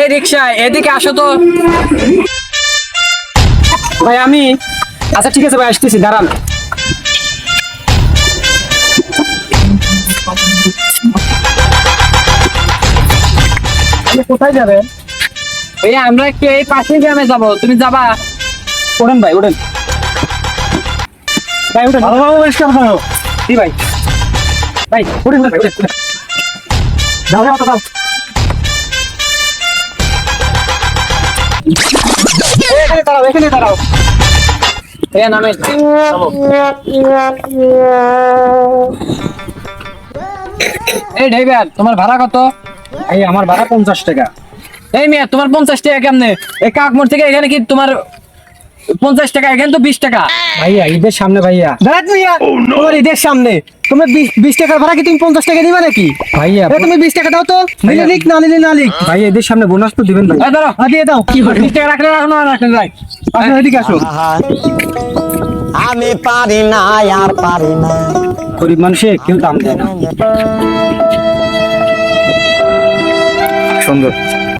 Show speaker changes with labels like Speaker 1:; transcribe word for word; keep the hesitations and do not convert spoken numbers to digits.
Speaker 1: এই রিক্সা এদিকে আসো তো ভাই। আমি আচ্ছা ঠিক আছে ভাই, আসতেছি, দাঁড়ান। কোথায় যাবে? এই আমরা একটু এই পাশের গ্রামে যাবো, তুমি যাবা? ওঠেন ভাই, ওঠেন ভাই, ওঠেন। ভালোভাবে পরিষ্কার করো। জি ভাই, ভাই ওঠেন ভাই, ওঠেন। যাও যাও যাও। এখানে দাঁড়াও, এখানে দাঁড়াও। এ নামে এই ড্রাইভার, তোমার ভাড়া কত?
Speaker 2: এই আমার ভাড়া পঞ্চাশ টাকা।
Speaker 1: এই মেয়ে, তোমার পঞ্চাশ টাকা কেমনে? এই কাকমোড় থেকে এখানে কি তোমার পঞ্চাশ টাকা? এখানে তো বিশ টাকা।
Speaker 2: ভাইয়া ঈদের সামনে ভাইয়া।
Speaker 3: দাঁড়াত ভাইয়া, তোমার ঈদের সামনে তুমি বিশ টাকার ভাড়া কি তুমি পঞ্চাশ টাকা নিবা নাকি?
Speaker 2: ভাইয়া
Speaker 3: এ, তুমি বিশ টাকা দাও তো, নিলে নিক না নিলে না নিক।
Speaker 2: ভাইয়া ঈদের সামনে বোনাস তো দিবেন ভাই।
Speaker 1: এই ধরো,
Speaker 3: হ্যাঁ, দিয়ে দাও।
Speaker 1: কি বিশ টাকা রাখলে রাখো না রাখলে যাই।
Speaker 3: আসো এদিকে আসো।
Speaker 4: আমি পারি না আর পারি না।
Speaker 2: গরিব মানুষে কেউ দাম দেয় না। সুন্দর।